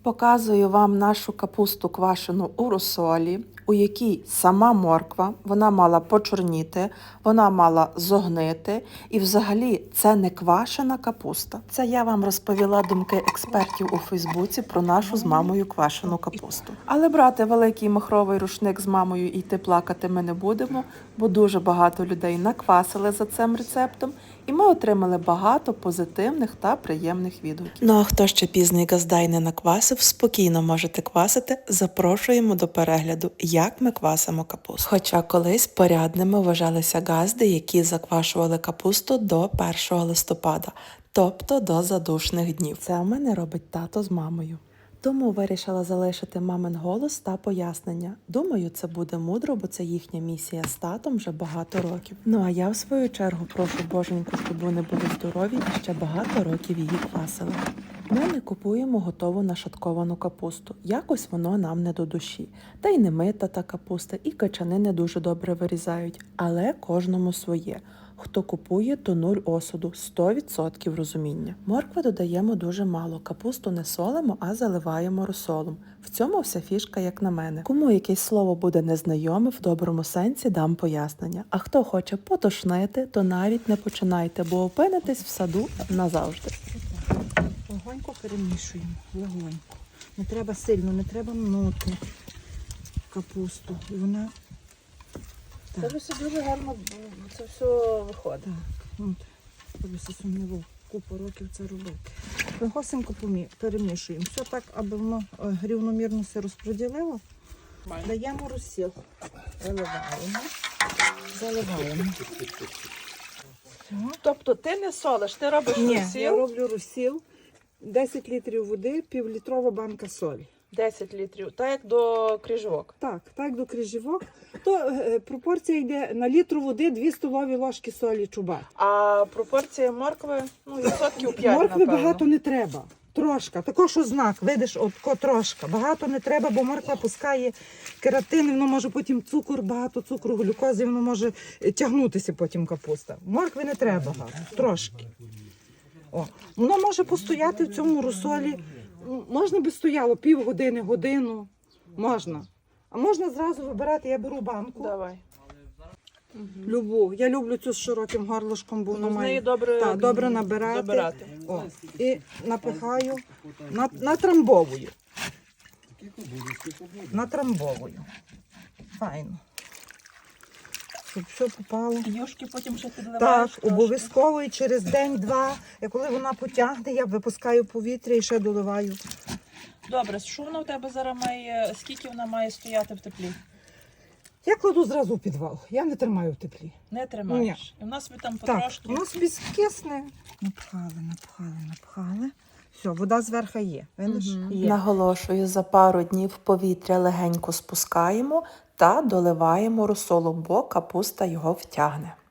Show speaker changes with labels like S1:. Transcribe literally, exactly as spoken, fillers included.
S1: Показую вам нашу капусту квашену у розсолі, у якій сама морква, вона мала почорніти, вона мала зогнити. І взагалі це не квашена капуста. Це я вам розповіла думки експертів у Фейсбуці про нашу з мамою квашену капусту. Але брати великий махровий рушник з мамою і йти плакати ми не будемо, бо дуже багато людей наквасили за цим рецептом. І ми отримали багато позитивних та приємних відгуків. Ну а хто ще пізний газдай не наквасив, спокійно можете квасити. Запрошуємо до перегляду, як ми квасимо капусту. Хоча колись порядними вважалися газди, які заквашували капусту до першого листопада, тобто до задушних днів. Це у мене робить тато з мамою. Тому вирішила залишити мамин голос та пояснення. Думаю, це буде мудро, бо це їхня місія з татом вже багато років. Ну а я в свою чергу прошу боженьку, щоб вони були здорові і ще багато років її квасили. Ми не купуємо готову нашатковану капусту. Якось воно нам не до душі. Та й не мита та капуста, і качани не дуже добре вирізають. Але кожному своє. Хто купує, то нуль осуду, сто відсотків розуміння. Моркви додаємо дуже мало, капусту не солимо, а заливаємо розсолом. В цьому вся фішка, як на мене. Кому якесь слово буде незнайоме, в доброму сенсі дам пояснення. А хто хоче потошнити, то навіть не починайте, бо опинитесь в саду назавжди.
S2: Легонько перемішуємо, легонько. Не треба сильно, не треба мнути капусту. І вона...
S1: Це ж все дуже гарно, це все виходить.
S2: Так, от, тобі сумніво, купу років це робити. Легосенько перемішуємо. Все так, аби воно рівномірно все розподілило. Даємо розсіл. Виливаємо, заливаємо.
S1: Тобто ти не солиш, ти робиш
S2: Ні,
S1: розсіл?
S2: я роблю розсіл. десять літрів води, півлітрова банка солі.
S1: десять літрів, так як до крижовок.
S2: Так, так до крижівок. То е, пропорція йде на літру води дві столові ложки солі чубат.
S1: А пропорція моркви, ну, відсотків п'ять,
S2: Моркви
S1: напевно.
S2: багато не треба. Трошка. Також що знак, видиш, отко трошка. Багато не треба, бо морква пускає кератин, воно може потім цукор, багато цукру, глюкози, воно може тягнутися потім капуста. Моркви не треба багато, трошки. О. Воно може постояти в цьому розсолі. Можна би стояло півгодини, годину. Можна. А можна зразу вибирати, я беру банку.
S1: Давай.
S2: Любу. Я люблю цю з широким горлышком, бо воно
S1: Ну, з
S2: має
S1: неї добре,
S2: та, добре набирати.
S1: забирати.
S2: О, і напихаю, на- натрамбовую. Натрамбовую. Файно. Щоб все попало.
S1: Юшки потім ще підливаєш.
S2: Так,
S1: трошки.
S2: обов'язково і через день-два, і коли вона потягне, я випускаю повітря і ще доливаю.
S1: Добре, що вона у тебе зараз має, скільки вона має стояти в теплі?
S2: Я кладу зразу у підвал, я не тримаю в теплі.
S1: Не тримаєш. І в нас ви там
S2: Так,
S1: потрошки.
S2: воно собі скисне. Напхали, напхали, напхали. Все, вода зверху є. Видиш?
S1: Мгм.
S2: Є.
S1: Наголошую, за пару днів повітря легенько спускаємо та доливаємо розсолом, бо капуста його втягне.